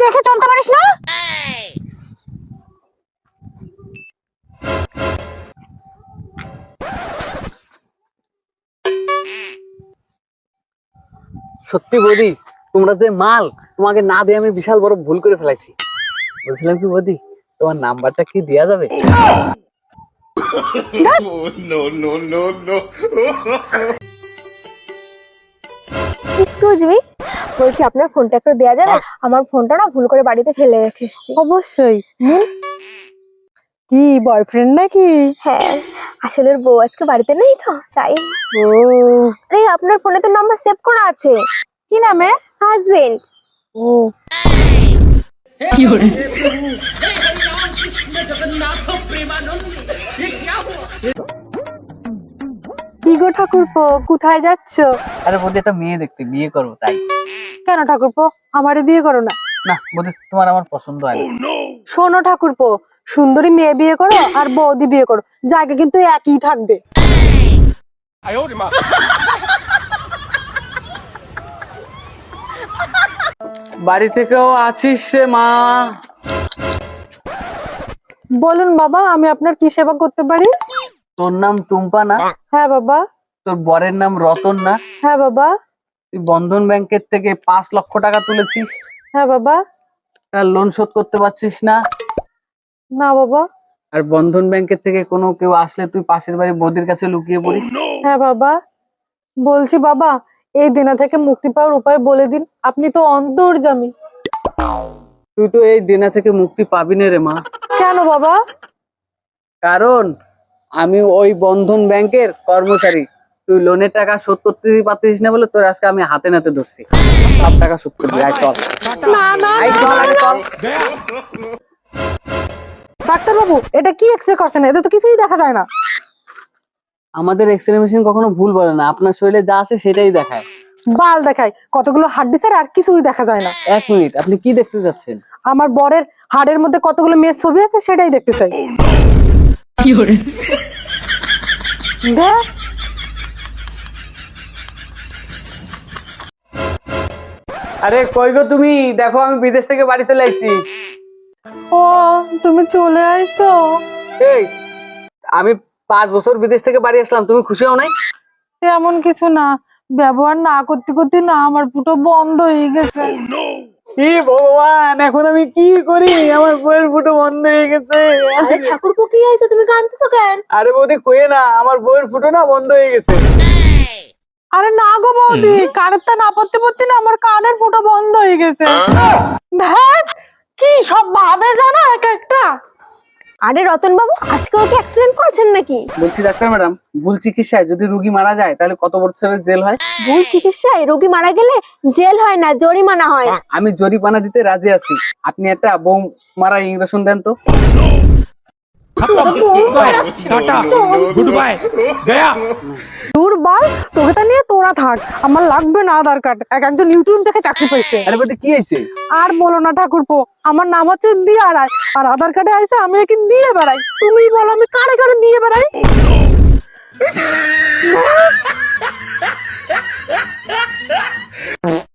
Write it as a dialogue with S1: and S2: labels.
S1: দেখে চলতে পারিস না?
S2: সত্যি বৌদি, তোমরা যে মাল, তোমাকে না দিয়ে আমি বিশাল বড় ভুল করে ফেলাইছি। বলছিলাম কি বৌদি, তোমার নাম্বারটা কি দেয়া যাবে?
S3: এক্সকিউজ মি, বলছি আপনার ফোনটা একটু দেওয়া যাবে? আমার ফোনটা না ভুল করে বাড়িতে ফেলে রেখে এসেছি।
S1: অবশ্যই। কি বয়ফ্রেন্ড নাকি?
S3: হ্যাঁ, আসলে ওর বউ আজকে বাড়িতে নেই তো তাই।
S1: ও,
S3: আরে আপনার ফোনে তো নাম্বার সেভ করা আছে।
S1: কি নামে?
S3: হাজবেন্ড।
S1: ও, কি গো ঠাকুরপো, কোথায় যাচ্ছ?
S2: আরে বৌদি, একটা মেয়ে দেখতে বিয়ে করবো তাই।
S1: কেন ঠাকুরপো, আমারে বিয়ে করো না?
S2: না বৌদি, তোমার আমার পছন্দ হয় না।
S1: শোনো ঠাকুরপো, সুন্দরী মেয়ে বিয়ে করো আর বৌদি বিয়ে করো, জায়গা কিন্তু একই থাকবে।
S2: বাড়ি থেকেও আছিস রে মা?
S1: বলুন বাবা, আমি আপনার কি সেবা করতে পারি?
S2: তোর নাম টুম্পা না?
S1: হ্যাঁ বাবা।
S2: তোর বরের নাম রতন না?
S1: হ্যাঁ বাবা।
S2: তুই বন্ধন ব্যাংকের থেকে 5 লক্ষ টাকা তুলেছিস,
S1: হ্যাঁ বাবা।
S2: তার লোন শোধ করতে পারছিস না।
S1: না বাবা।
S2: আর বন্ধন ব্যাংকের থেকে কোনো কেউ আসলে তুই পাশের বাড়ি বৌদির কাছে লুকিয়ে পড়িস।
S1: হ্যাঁ বাবা। বলছি বাবা, এই দেনা থেকে মুক্তি পাওয়ার উপায় বলে দিন, আপনি তো অন্তর্যামী।
S2: তুই তো এই দেনা থেকে মুক্তি পাবি না রে মা।
S1: কেন বাবা?
S2: কারণ আমি ওই বন্ধন ব্যাংকের কর্মচারী। তুই লোনের টাকা শোধ করতে পারতিস না বলে তোর আজকে আমি হাতে নাতে ধরছি। সব টাকা শোধ করবি, আয় চল।
S1: না না
S2: আয় চল, আগে চল।
S1: ডাক্তার বাবু, এটা কি এক্সরে করছেন? এতে তো কিছুই দেখা যায় না।
S2: আমাদের এক্সরে মেশিন কখনো ভুল বলে না, আপনার শরীরে যা আছে সেটাই দেখায়।
S1: বাল দেখায়, কতগুলো হাড্ডি ছাড়া আর কিছুই দেখা যায় না।
S2: 1 মিনিট, আপনি কি দেখতে যাচ্ছেন?
S1: আমার বরের হাড়ের মধ্যে কতগুলো মেয়ের ছবি আছে সেটাই দেখতে চাই। দেখ।
S2: আরে কই গো তুমি? দেখো আমি বিদেশ থেকে বাড়ি চলে আইছি।
S1: ও, তুমি চলে আইছো?
S2: এই, আমি 5 বছর বিদেশ থেকে বাড়ি আসলাম, তুমি খুশি হও নাই?
S1: এমন কিছু না, ব্যবহার না করতে করতে না আমার ফুটো বন্ধ হয়ে গেছে।
S2: কি ভগবান, এখন আমি কি করি? আমার বইয়ের ফুটো বন্ধ হয়ে গেছে।
S3: আরে ঠাকুরপো, কি হয়েছে? তুমি কাঁদতেছো কেন?
S2: আরে বৌদি কইে না, আমার বইয়ের ফুটো না বন্ধ হয়ে গেছে।
S1: আরে না গো বৌদি, কানেরটা না পড়তে পড়তে না আমার কানের ফুটো বন্ধ হয়ে গেছে। দেখ কি সব ভাবে জানা এক একটা।
S3: আরে রতন বাবু, আজকে ওকে অ্যাক্সিডেন্ট করেছেন নাকি?
S2: বলছি ডাক্তার ম্যাডাম, ভুল চিকিৎসায় যদি রোগী মারা যায় তাহলে কত বছরের জেল হয়?
S3: ভুল চিকিৎসায় রোগী মারা গেলে জেল হয় না, জরিমানা হয়।
S2: আমি জরিমানা দিতে রাজি আছি। আপনি একটা বউ মারা ইঞ্জেকশন দেন তো।
S4: टाटा गुड बाय गया।
S1: দূর বাল, তোকে তা নিয়ে তোরা থাক, আমার লাগবে না আধার কার্ড। একজন ইউটিউব থেকে চাকরি পেয়েছে।
S2: আরে বৌদি কি হয়েছে?
S1: আর বলো না ঠাকুরপো, আমার নাম হচ্ছে দিয়া রায়, আর আধার কার্ডে আইছে আমি কি দিয়ে বেড়াই? তুমি বলো আমি কারে কারে দিয়ে বেড়াই?